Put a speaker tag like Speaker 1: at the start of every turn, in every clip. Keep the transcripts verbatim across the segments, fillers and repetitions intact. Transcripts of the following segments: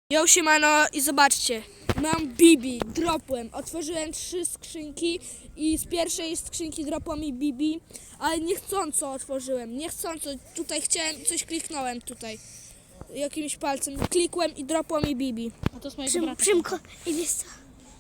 Speaker 1: Yo, siemano i zobaczcie, mam Bibi, dropłem, otworzyłem trzy skrzynki i z pierwszej skrzynki dropła mi Bibi, ale niechcąco otworzyłem, niechcąco, tutaj chciałem, coś kliknąłem tutaj, jakimś palcem, klikłem i dropło mi Bibi.
Speaker 2: A to z mojego
Speaker 3: Przym,
Speaker 2: brata.
Speaker 3: Przymko, i wiesz co?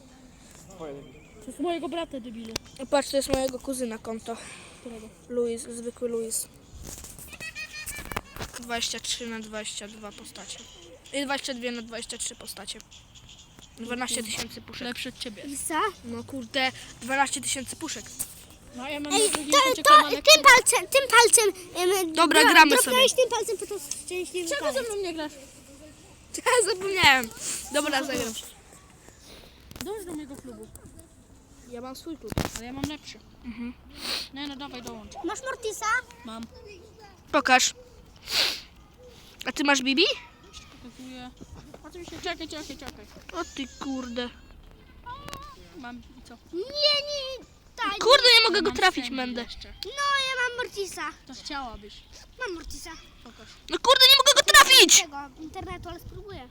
Speaker 2: To z mojego brata, debilu.
Speaker 1: Patrz, to jest mojego kuzyna konto,
Speaker 2: Którego?
Speaker 1: Luis, zwykły Luis. dwadzieścia trzy na dwadzieścia dwa postacie. I dwadzieścia dwa na dwadzieścia trzy postacie. dwanaście tysięcy puszek.
Speaker 2: Lepszy od ciebie.
Speaker 3: Wiesz co?
Speaker 1: No kurde, dwanaście tysięcy puszek.
Speaker 2: No a ja mam
Speaker 3: Ej,
Speaker 2: na
Speaker 3: to,
Speaker 2: drugim
Speaker 3: to
Speaker 2: koncie kanale.
Speaker 3: tym palcem, tym palcem. em,
Speaker 1: Dobra,
Speaker 3: dro-
Speaker 1: gramy
Speaker 3: dropnąłeś
Speaker 1: sobie.
Speaker 3: tym palcem, po to szczęśliwy
Speaker 2: Czego ze
Speaker 3: palec.
Speaker 2: mną nie grasz?
Speaker 1: Ja zapomniałem. Dobra, zagram.
Speaker 2: Dąż do mojego klubu.
Speaker 1: Ja mam swój klub.
Speaker 2: Ale ja mam lepszy.
Speaker 1: Mhm.
Speaker 2: Nie no, dawaj dołącz.
Speaker 3: Masz Mortisa?
Speaker 2: Mam.
Speaker 1: Pokaż. A ty masz Bibi?
Speaker 2: Pokazuję. Oczywiście, czekaj, czekaj, czekaj.
Speaker 1: O ty kurde.
Speaker 2: Mam i co?
Speaker 3: Nie, nie. Tak.
Speaker 1: Kurde, nie mogę
Speaker 2: Ja
Speaker 1: go
Speaker 2: mam
Speaker 1: trafić,
Speaker 2: Sandy
Speaker 1: Mendę.
Speaker 2: jeszcze.
Speaker 3: No, ja mam Mortisa.
Speaker 2: To chciałabyś.
Speaker 3: Mam Mortisa.
Speaker 2: Pokaż.
Speaker 1: No kurde, nie mogę go trafić!
Speaker 3: Tego internetu, ale spróbuję.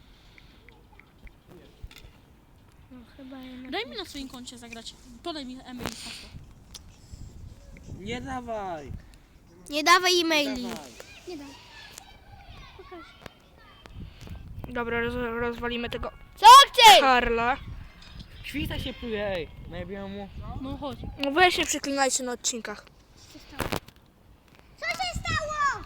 Speaker 3: No, chyba jednak.
Speaker 2: Daj mi na swoim koncie zagrać. Podaj mi e-mail hasło.
Speaker 4: Nie dawaj!
Speaker 3: Nie dawaj e-maili.
Speaker 4: Dawaj.
Speaker 3: Nie dam. Pokaż.
Speaker 1: Dobra, roz, rozwalimy tego
Speaker 3: Co chcesz?
Speaker 1: Karla.
Speaker 4: Śwista się pluje, ej! Najebiłem mu.
Speaker 2: No chodź.
Speaker 1: No weź nie przeklinajcie na odcinkach.
Speaker 3: Co się stało?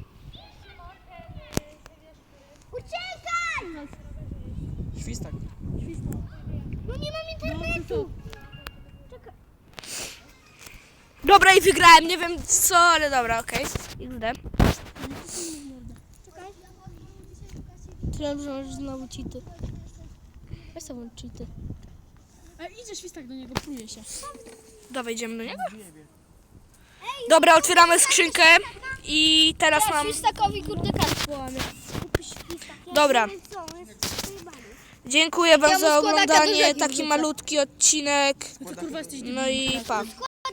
Speaker 3: Uciekaj!
Speaker 4: Świstak.
Speaker 3: No nie mam internetu.
Speaker 1: Dobra, i wygrałem, nie wiem co, ale dobra, okej. Okay. X D.
Speaker 3: Czekaj.
Speaker 1: Myślałem, że masz znowu cheaty. Weź sobie cheaty.
Speaker 2: E, idzie świstak do niego, pluje się.
Speaker 1: Dawaj, idziemy do niego. Dobra, otwieramy skrzynkę i teraz mam...
Speaker 3: Świstakowi kurde kartę połamie.
Speaker 1: Dobra. Dziękuję wam
Speaker 3: Ja mu
Speaker 1: za
Speaker 3: składaka
Speaker 1: oglądanie,
Speaker 3: dużego
Speaker 1: taki
Speaker 3: wrzucę.
Speaker 1: malutki odcinek.
Speaker 2: Ty kurwa jesteś
Speaker 1: No i pa.